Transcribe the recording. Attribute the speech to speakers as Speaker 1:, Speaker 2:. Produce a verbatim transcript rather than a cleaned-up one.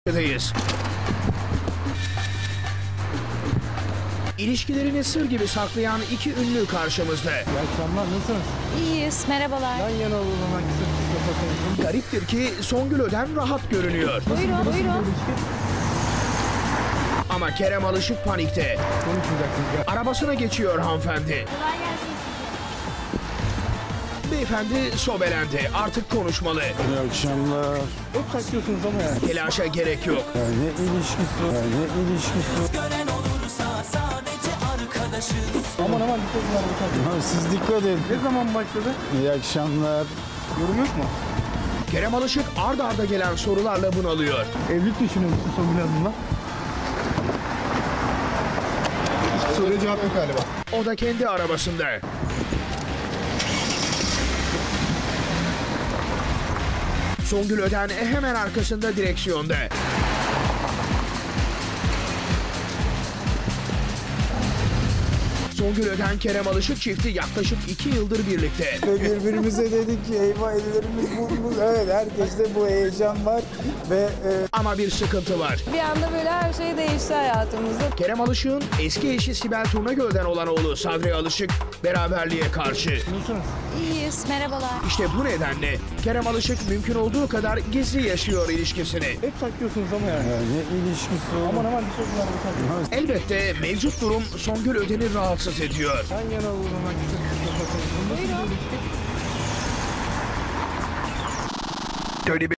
Speaker 1: ...deyiz. İlişkilerini sır gibi saklayan iki ünlü karşımızda.
Speaker 2: İyi akşamlar, nasılsınız?
Speaker 3: İyiyiz, merhabalar.
Speaker 2: Yan yana olalım, hangisi kapatayım?
Speaker 1: Gariptir ki Songül Öden rahat görünüyor.
Speaker 3: Buyurun, buyurun.
Speaker 1: Ama Kerem Alışık panikte.
Speaker 2: Konuşmayacaksınız ya.
Speaker 1: Arabasına geçiyor hanımefendi.
Speaker 3: Kolay gelsin.
Speaker 1: Beyefendi sobelendi. Artık konuşmalı.
Speaker 4: İyi akşamlar.
Speaker 2: Hep saklıyorsunuz ama yani.
Speaker 1: Telaşa gerek yok.
Speaker 4: Ya ne ilişkisi var? Ya ne ilişkisi?
Speaker 5: Gören olursa sadece arkadaşız.
Speaker 2: Aman aman dikkat edin araba.
Speaker 4: Ha, siz dikkat edin.
Speaker 2: Ne zaman başladı?
Speaker 4: İyi akşamlar.
Speaker 2: Yorum yok mu?
Speaker 1: Kerem Alışık ard arda gelen sorularla bunalıyor.
Speaker 2: Evlilik düşünüyor musun Songül Hanım'la? Soruya cevap yok galiba.
Speaker 1: O da kendi arabasında. Songül Öden hemen arkasında direksiyonda. Songül Öden Kerem Alışık çifti yaklaşık iki yıldır birlikte.
Speaker 4: Ve birbirimize dedik ki eyvah ellerimiz burnumuz. Evet, herkeste bu heyecan var ve e,
Speaker 1: Ama bir sıkıntı var.
Speaker 3: Bir anda böyle her şey değişti hayatımızda.
Speaker 1: Kerem Alışık'ın eski eşi Sibel Turnagöl'den olan oğlu Sadri Alışık beraberliğe karşı.
Speaker 2: Nasılsınız?
Speaker 3: İyiyiz, merhabalar.
Speaker 1: İşte bu nedenle Kerem Alışık mümkün olduğu kadar gizli yaşıyor ilişkisini.
Speaker 2: Hep saklıyorsunuz ama yani.
Speaker 4: ya ne ilişkisi var?
Speaker 2: Aman aman dikkat edin araba.
Speaker 1: Elbette mevcut durum Songül Öden'i rahatsız ediyor.
Speaker 2: Yan yana olalım, hangisi kapatayım?
Speaker 3: Buyurun.
Speaker 1: Böyle bir